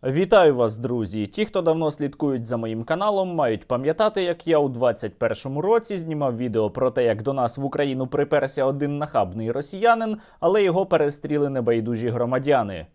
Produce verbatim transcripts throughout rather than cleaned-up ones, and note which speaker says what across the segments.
Speaker 1: Вітаю вас, друзі! Ті, хто давно слідкують за моїм каналом, мають пам'ятати, як я у двадцять першому році знімав відео про те, як до нас в Україну приперся один нахабний росіянин, але його перестріли небайдужі громадяни.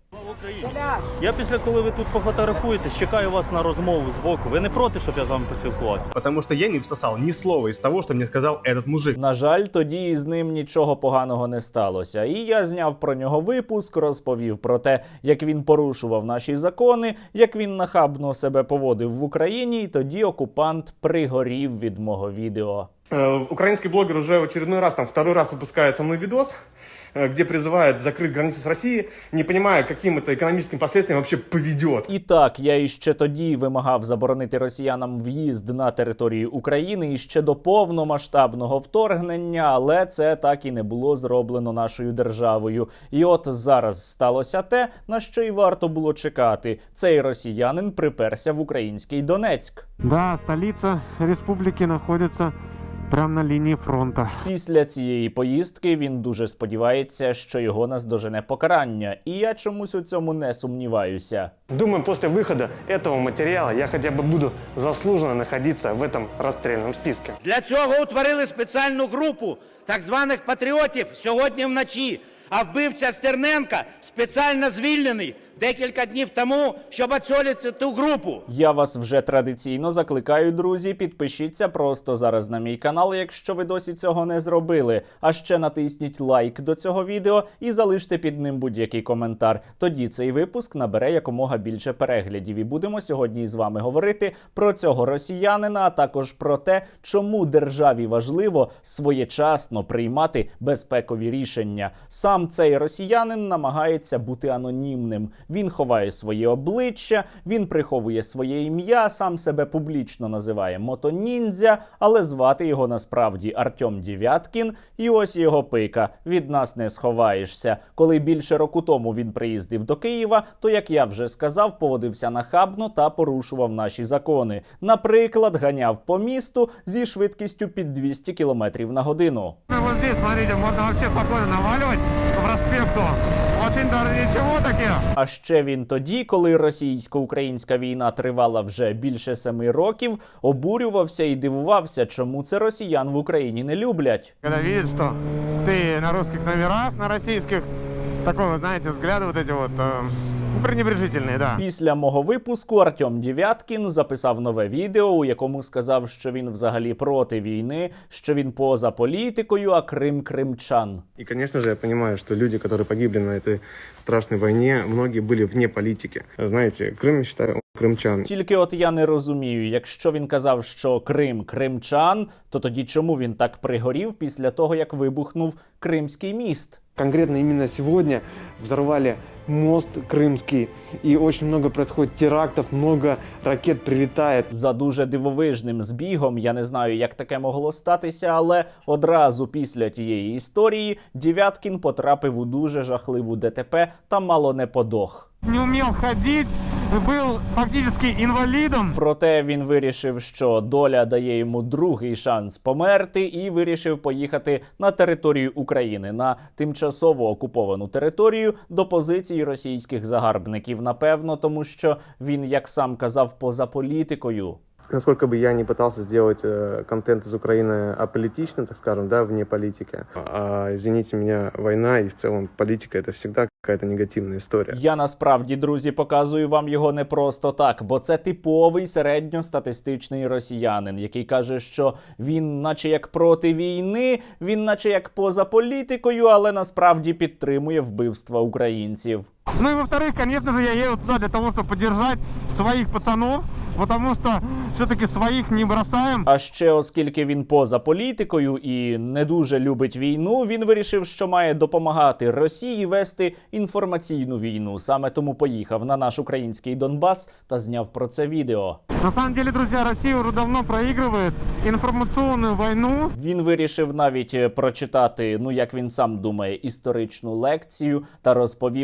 Speaker 2: Я після, коли ви тут пофотографуєтесь, чекаю вас на розмову з боку. Ви не проти, щоб я з вами поспілкувався?
Speaker 3: Потому что я не всосал ни слова из того, что мне сказал этот мужик.
Speaker 1: На жаль, тоді з ним нічого поганого не сталося. І я зняв про нього випуск, розповів про те, як він порушував наші закони, як він нахабно себе поводив в Україні, і тоді окупант пригорів від мого відео.
Speaker 3: Э, украинский блогер уже в очередной раз, там, второй раз выпускает со мной видос, э, где призывает закрыть границы с Россией, не понимая, каким это экономическим последствиям вообще поведет.
Speaker 1: І так, я іще тоді вимагав заборонити росіянам в'їзд на територію України іще до повномасштабного вторгнення, але це так і не було зроблено нашою державою. І от зараз сталося те, на що й варто було чекати. Цей росіянин приперся в український Донецьк.
Speaker 4: Да, столиця республіки знаходиться прямо на лінії фронту.
Speaker 1: Після цієї поїздки він дуже сподівається, що його наздожене покарання. І я чомусь у цьому не сумніваюся.
Speaker 4: Думаю, після виходу цього матеріалу я хоча б буду заслужено знаходитися в цьому розстрільному списку.
Speaker 5: Для цього утворили спеціальну групу так званих патріотів сьогодні вночі. А вбивця Стерненка спеціально звільнений декілька днів тому, щоб очолити ту групу.
Speaker 1: Я вас вже традиційно закликаю, друзі, підпишіться просто зараз на мій канал, якщо ви досі цього не зробили. А ще натисніть лайк до цього відео і залиште під ним будь-який коментар. Тоді цей випуск набере якомога більше переглядів. І будемо сьогодні з вами говорити про цього росіянина, а також про те, чому державі важливо своєчасно приймати безпекові рішення. Сам цей росіянин намагається бути анонімним. Він ховає своє обличчя, він приховує своє ім'я, сам себе публічно називає мотоніндзя, але звати його насправді Артем Дев'яткін. І ось його пика. Від нас не сховаєшся. Коли більше року тому він приїздив до Києва, то, як я вже сказав, поводився нахабно та порушував наші закони. Наприклад, ганяв по місту зі швидкістю під двісті кілометрів на годину.
Speaker 4: Ось тут, смотрите, можна взагалі спокійно навалювати по проспекту. Очень даже нічого таке.
Speaker 1: А ще він тоді, коли російсько-українська війна тривала вже більше семи років, обурювався і дивувався, чому це росіян в Україні не люблять.
Speaker 4: Коли бачать, що ти на русских номерах, на російських, такого, знаєте, взгляди вот эти вот, пренебрежительні, да.
Speaker 1: Після мого випуску Артем Дев'яткін записав нове відео, у якому сказав, що він взагалі проти війни, що він поза політикою, а Крим – кримчан.
Speaker 3: И, конечно же, я понимаю, что люди, которые погибли на этой страшной войне, многие были вне политики. Знаете, Крым, я считаю, крымчан.
Speaker 1: Тільки от я не розумію, якщо він казав, що Крим – кримчан, то тоді чому він так пригорів після того, як вибухнув Кримський міст?
Speaker 4: Конкретно именно сегодня взорвали мост Крымский, и очень много происходит терактов, много ракет прилетает.
Speaker 1: За дуже дивовижним збігом, я не знаю, як таке могло статися, але одразу після тієї історії Дев'яткін потрапив у дуже жахливу ДТП та мало не подох.
Speaker 4: Не умел ходить, был фактически инвалидом.
Speaker 1: Проте він вирішив, що доля дає йому другий шанс померти, і вирішив поїхати на територію України, на тимчасово окуповану територію, до позицій російських загарбників, напевно, тому що він, як сам казав, поза політикою.
Speaker 3: Насколько бы я не пытался сделать э, контент из Украины аполитичным, так скажем, да, вне политики, а, извините меня, война и в целом политика — это всегда какая-то негативная история.
Speaker 1: Я насправді, друзі, показую вам його не просто так, бо це типовий середньостатистичний росіянин, який каже, що він наче як проти війни, він наче як поза політикою, але насправді підтримує вбивства українців.
Speaker 4: Ну и во-вторых, конечно же, я еду туда для того, чтобы поддержать своих пацанов, потому что все-таки своих не бросаем.
Speaker 1: А ще, оскільки він поза політикою і не дуже любить війну, він вирішив, що має допомагати Росії вести інформаційну війну. Саме тому поїхав на наш український Донбас та зняв про це відео.
Speaker 4: На самом деле, друзья, Россия уже давно проигрывает информационную войну.
Speaker 1: Він вирішив навіть прочитати, ну як він сам думає, історичну лекцію та розповів, як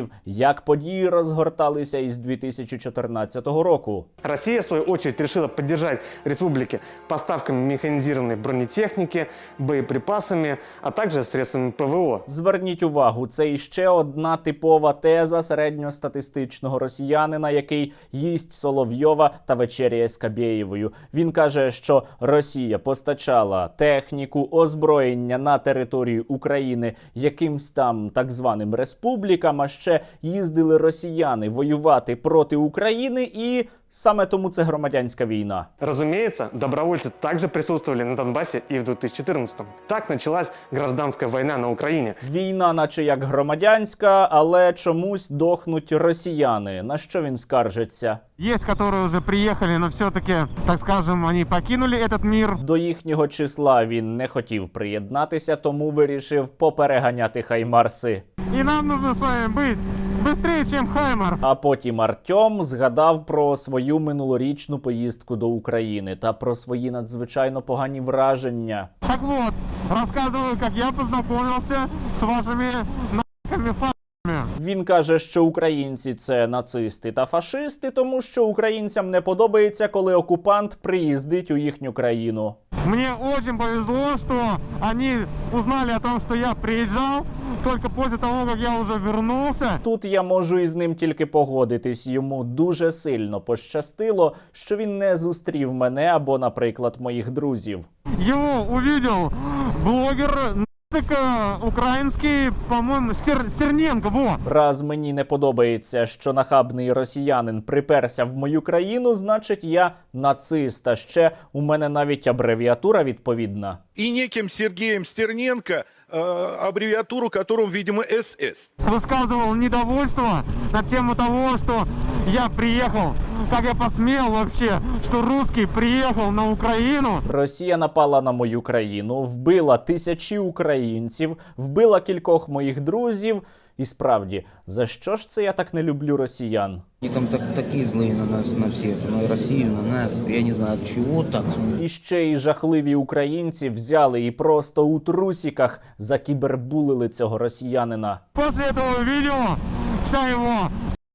Speaker 1: як події розгорталися із дві тисячі чотирнадцятого року.
Speaker 4: Россия, в свою очередь, решила поддержать республики поставками механизированной бронетехники, боеприпасами, а также средствами ПВО.
Speaker 1: Зверніть увагу, це іще одна типова теза середньостатистичного росіянина, який їсть Соловйова та вечеряє з Кабєєвою. Він каже, що Росія постачала техніку, озброєння на територію України якимсь там так званим республікам, а ще їздили росіяни воювати проти України, і саме тому це громадянська війна.
Speaker 4: Разумеется, добровольцы также присутствовали на Донбассе и в две тысячи четырнадцатом. Так началась гражданская война на Украине.
Speaker 1: Війна наче як громадянська, але чомусь дохнуть росіяни. На що він скаржиться?
Speaker 6: Есть, которые уже приехали, но все-таки, так скажем, они покинули этот мир.
Speaker 1: До їхнього числа він не хотів приєднатися, тому вирішив попереганяти хаймарси.
Speaker 6: И нам нужно с вами быть быстрее, чем Хаймарс.
Speaker 1: А потім Артем згадав про свою минулорічну поїздку до України та про свої надзвичайно погані враження.
Speaker 6: Так вот, рассказываю, как я познакомился с вашими нахами фа***ми.
Speaker 1: Він каже, що українці – це нацисти та фашисти, тому що українцям не подобається, коли окупант приїздить у їхню країну.
Speaker 6: Мне очень повезло, что они узнали о том, что я приезжал только после того, как я уже вернулся.
Speaker 1: Тут я можу із ним тільки погодитись. Йому дуже сильно пощастило, що він не зустрів мене або, наприклад, моїх друзів.
Speaker 6: Его увидел блогер нацика украинский, по-моему, Стер... Стерненко, во!
Speaker 1: Раз мені не подобається, що нахабний росіянин приперся в мою країну, значить я нацист. А ще у мене навіть абревіатура відповідна.
Speaker 7: И неким Сергеем Стерненко, э, аббревиатуру которым, видимо, СС.
Speaker 6: Высказывал недовольство на тему того, что я приехал, как я посмел вообще, что русский приехал на Украину.
Speaker 1: Росія напала на мою країну, вбила тисячі українців, вбила кількох моїх друзів. І справді, за що ж це я так не люблю росіян?
Speaker 8: Они там так, такие злые на нас, на всех, на Россию, на нас. Я не знаю, от чего так.
Speaker 1: І ще й жахливі українці взяли і просто у трусіках закібербулили цього росіянина.
Speaker 6: После этого видео вся его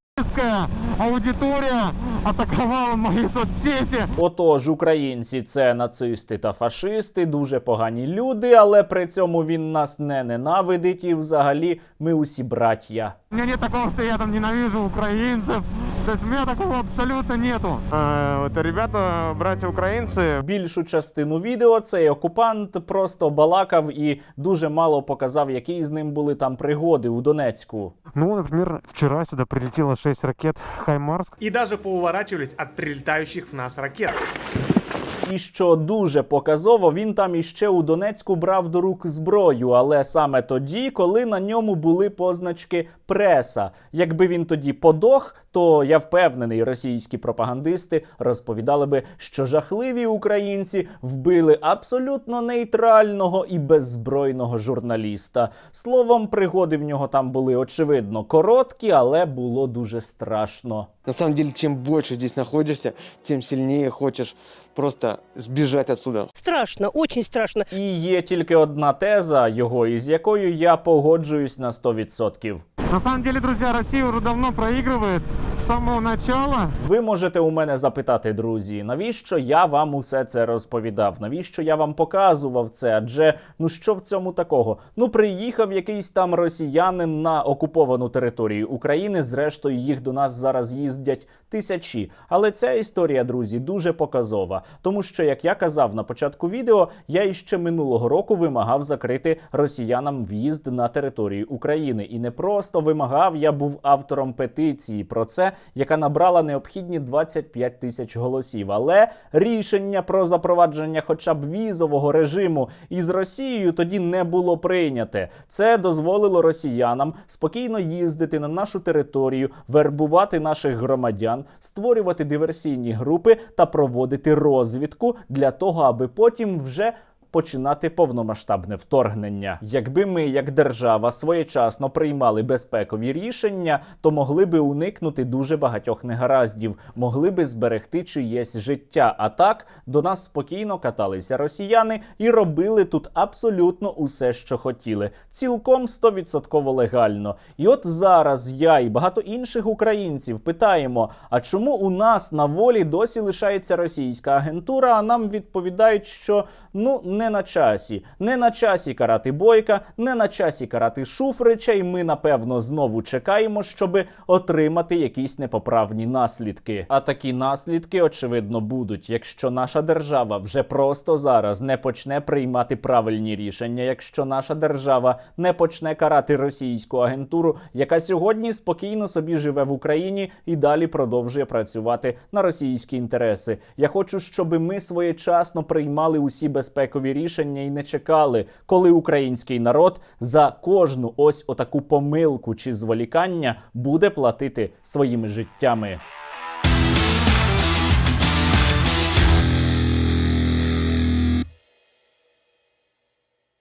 Speaker 6: аудитория атаковала мої соцсети.
Speaker 1: Отож, українці – це нацисти та фашисти, дуже погані люди, але при цьому він нас не ненавидить і взагалі ми усі браття.
Speaker 6: У меня нет такого, что я там ненавижу украинцев. То есть у меня такого абсолютно нету. А, это ребята, братья украинцы.
Speaker 1: Більшу частину відео цей окупант просто балакав і дуже мало показав, які з ним були там пригоди у Донецьку.
Speaker 6: Ну, например, вчера сюда прилетело шесть ракет «Хаймарс».
Speaker 9: И даже поуворачивались от прилетающих в нас ракет.
Speaker 1: І що дуже показово, він там іще у Донецьку брав до рук зброю, але саме тоді, коли на ньому були позначки преса. Якби він тоді подох, то я впевнений, російські пропагандисти розповідали би, що жахливі українці вбили абсолютно нейтрального і беззбройного журналіста. Словом, пригоди в нього там були, очевидно, короткі, але було дуже страшно.
Speaker 4: На самом деле, чем больше здесь находишься, тем сильнее хочешь просто сбежать отсюда.
Speaker 10: Страшно, очень страшно.
Speaker 1: І є тільки одна теза його, із якою я погоджуюсь на сто відсотків.
Speaker 6: На самом деле, друзья, Россия уже давно проигрывает с самого начала.
Speaker 1: Ви можете у мене запитати, друзі, навіщо я вам усе це розповідав? Навіщо я вам показував це? Адже, ну що в цьому такого? Ну, приїхав якийсь там росіянин на окуповану територію України, зрештою їх до нас зараз їздять тисячі. Але ця історія, друзі, дуже показова. Тому що, як я казав на початку відео, я іще минулого року вимагав закрити росіянам в'їзд на територію України. І не просто вимагав, я був автором петиції про це, яка набрала необхідні двадцять п'ять тисяч голосів. Але рішення про запровадження хоча б візового режиму із Росією тоді не було прийняте. Це дозволило росіянам спокійно їздити на нашу територію, вербувати наших громадян, створювати диверсійні групи та проводити розвідку для того, аби потім вже починати повномасштабне вторгнення. Якби ми, як держава, своєчасно приймали безпекові рішення, то могли би уникнути дуже багатьох негараздів, могли би зберегти чиєсь життя. А так, до нас спокійно каталися росіяни і робили тут абсолютно усе, що хотіли. Цілком сто відсотків легально. І от зараз я і багато інших українців питаємо, а чому у нас на волі досі лишається російська агентура, а нам відповідають, що ну не на часі. Не на часі карати Бойка, не на часі карати Шуфрича, і ми, напевно, знову чекаємо, щоби отримати якісь непоправні наслідки. А такі наслідки, очевидно, будуть, якщо наша держава вже просто зараз не почне приймати правильні рішення, якщо наша держава не почне карати російську агентуру, яка сьогодні спокійно собі живе в Україні і далі продовжує працювати на російські інтереси. Я хочу, щоб ми своєчасно приймали усі безпекові рішення і не чекали, коли український народ за кожну ось отаку помилку чи зволікання буде платити своїми життями.